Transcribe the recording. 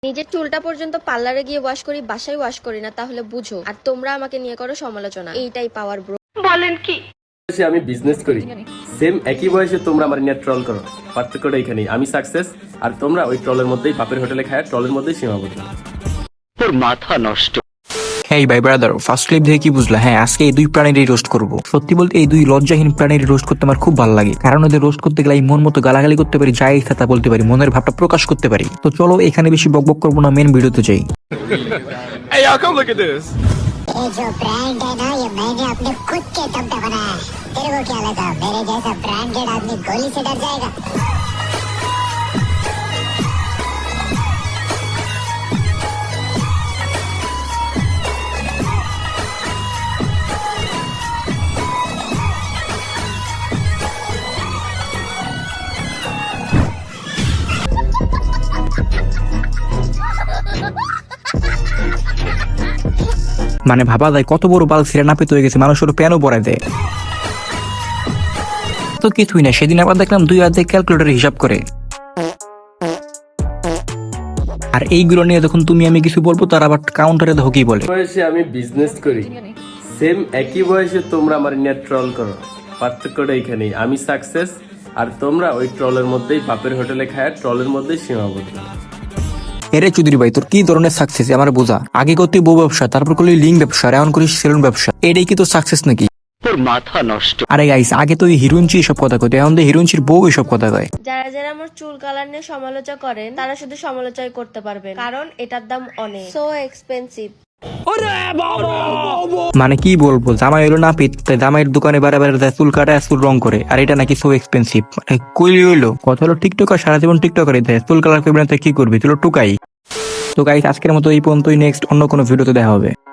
নিজের চুলটা পর্যন্ত পার্লারে গিয়ে ওয়াশ করি, বাসায় ওয়াশ করি না, তাহলে বুঝো। আর তোমরা আমাকে নিয়ে করো সমালোচনা। এইটাই পাওয়ার ব্রো। বলেন কি? আমি বিজনেস করি, সেম একই বয়সে তোমরা আমার নিয়ে ট্রল করো। পার্থক্যটা এখানেই, আমি সাকসেস আর তোমরা ওই ট্রলের মধ্যেই বাপের হোটেলে খায়, ট্রলের মধ্যেই সীমাবদ্ধ। তোর মাথা নষ্ট। হেই ভাই ব্রাদার, ফার্স্ট ক্লিপ দেখে কি বুঝলা? হ্যাঁ, আজকে এই দুই প্রাণীরই রোস্ট করব। সত্যি বলতে এই দুই লজ্জাহীন প্রাণীর রোস্ট করতে আমার খুব ভালো লাগে, কারণ ওদের রোস্ট করতে গেলে মন মতো গালাগালি করতে পারি, যা ইচ্ছা তা বলতে পারি, মনের ভাবটা প্রকাশ করতে পারি। তো চলো এখানে বেশি বকবক করবো না, মেন ভিডিওতে যাই। Hey y'all, come look at this. ये जो ब्रांड है ना, ये मैंने अपने खुद के दम पे बनाया है। तेरे को क्या लगा मेरे जैसा ब्रांडेड आदमी गोली से डर जाएगा? মানে ভাবা যায় কত বড় বাল ছিঁড়ে নাপিত হয়ে গেছে, মানুষ ওর প্যানও পরায় দেয়। তো কিছুই না, সেদিন আবার দেখলাম দুই হাতে ক্যালকুলেটর হিসাব করে। আর এইগুলো নিয়ে যখন তুমি আমি কিছু বলবো, তার আবার কাউন্টারে দেখো কি বলে। বয়সে আমি বিজনেস করি, সেম একই বয়সে তোমরা আমার নিয়ে ট্রল করো। পার্থক্যটা এখানেই, আমি সাকসেস আর তোমরা ওই ট্রলের মধ্যেই বাপের হোটেলে খায়, ট্রলের মধ্যেই সীমাবদ্ধ। এরে চৌধুরী ভাই, তোর কি ধরনের সাকসেস আমার বোঝা। আগে করতে বউ ব্যবসা, তারপর করলি লিঙ্ক ব্যবসা, আর এখন করিস সেলুন ব্যবসা। এটাই কি তোর সাকসেস নাকি? তোর মাথা নষ্ট। আরে গাইস, আগে তো হিরোইনচি এসব কথা কইতে, এখন তো হিরোইনচির বউ এসব কথা কয়। যারা যারা আমার চুল কালার নিয়ে সমালোচনা করেন, তারা শুধু সমালোচনা করতে পারবেন, কারণ এটার দাম অনেক সো এক্সপেন্সিভ। মানে কি বলবো, জামাই হইলো না পিত, তাই জামাইয়ের দোকানে বারে বারে যায় চুল কাটা, চুল রং করে, আর এটা নাকি সো এক্সপেন্সিভ। মানে কইলি হইলো কথা হলো টিকটকার সারা জীবন টিকটকারে দেয়, চুল কালার করবে না তাই কি করবি, তুই টুকাই। তো গাইস, আজকের মতো এই পর্যন্তই, নেক্সট অন্য কোনো ভিডিওতে দেখা হবে।